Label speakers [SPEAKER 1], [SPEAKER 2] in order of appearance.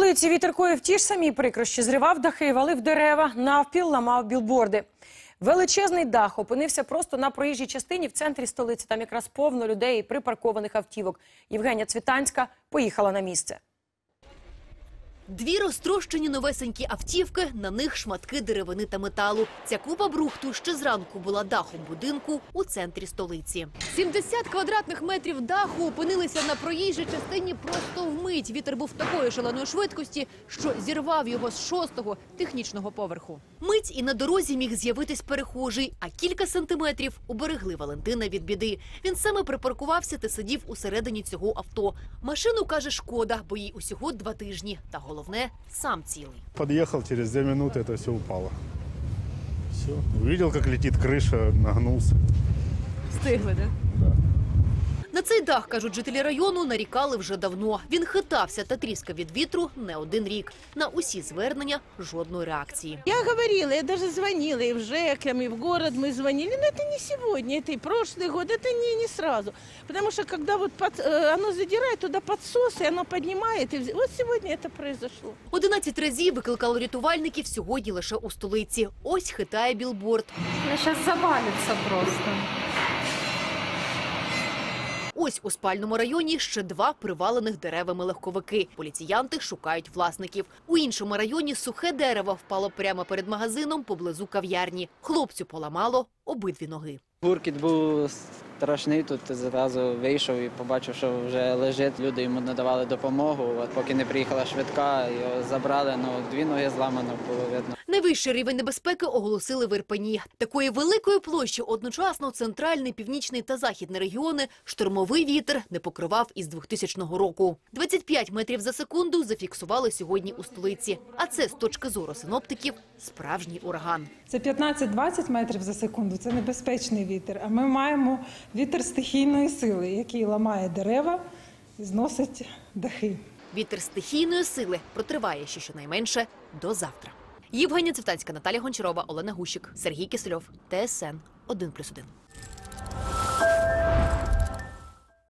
[SPEAKER 1] столиці вітер коїв ті ж самі прикрощі. Зривав дахи, валив дерева, навпіл ламав білборди. Величезний дах опинився просто на проїжджій частині в центрі столиці. Там якраз повно людей і припаркованих автівок. Євгенія Цвітанська поїхала на місце.
[SPEAKER 2] Дві розтрощені новесенькі автівки, на них шматки деревини та металу. Ця купа брухту ще зранку була дахом будинку у центрі столиці. 70 квадратних метрів даху опинилися на проїжджій частині просто вмить. Вітер був такої шаленої швидкості, що зірвав його з 6-го технічного поверху. Мить і на дорозі міг з'явитись перехожий, а кілька сантиметрів уберегли Валентина від біди. Він саме припаркувався та сидів усередині цього авто. Машину, каже, шкода, бо їй усього 2 тижні. Та головне, сам цілий.
[SPEAKER 3] Подъехал, через 2 минуты это все упало. Все. Увидел, как летит крыша, нагнулся.
[SPEAKER 2] Встигли, да?
[SPEAKER 3] Да.
[SPEAKER 2] На цей дах, кажуть жителі району, нарікали вже давно. Він хитався та тріскав від вітру не один рік. На усі звернення жодної реакції.
[SPEAKER 4] Я говорила, я даже звонила и в ЖЭК, и в город мы звонили, но это не сегодня, это и прошлый год, это не сразу. Потому что когда вот оно задирает туда подсос, и оно поднимает, и вот сегодня это произошло.
[SPEAKER 2] 11 разів викликало рятувальників сьогодні лише у столиці. Ось хитає білборд.
[SPEAKER 5] Сейчас завалится просто.
[SPEAKER 2] Ось у спальному районі ще 2 привалених деревами легковики. Поліціянти шукають власників. У іншому районі сухе дерево впало прямо перед магазином поблизу кав'ярні. Хлопцю поламало обидві ноги.
[SPEAKER 6] Гуркіт був страшний, тут зразу вийшов і побачив, що вже лежить, люди йому надавали допомогу. От поки не приїхала швидка, його забрали, 2 ноги зламано було видно.
[SPEAKER 2] Найвищий рівень небезпеки оголосили в Ірпені. Такої великої площі одночасно центральний, північний та західний регіони штормовий вітер не покривав із 2000 року. 25 метрів за секунду зафіксували сьогодні у столиці. А це, з точки зору синоптиків, справжній ураган.
[SPEAKER 5] Це 15-20 метрів за секунду, це небезпечний вітер. А ми маємо вітер стихійної сили, який ламає дерева і зносить дахи.
[SPEAKER 2] Вітер стихійної сили протриває ще щонайменше до завтра. Євгенія Цвітанська, Наталія Гончарова, Олена Гущик, Сергій Кисельов, ТСН 1+1.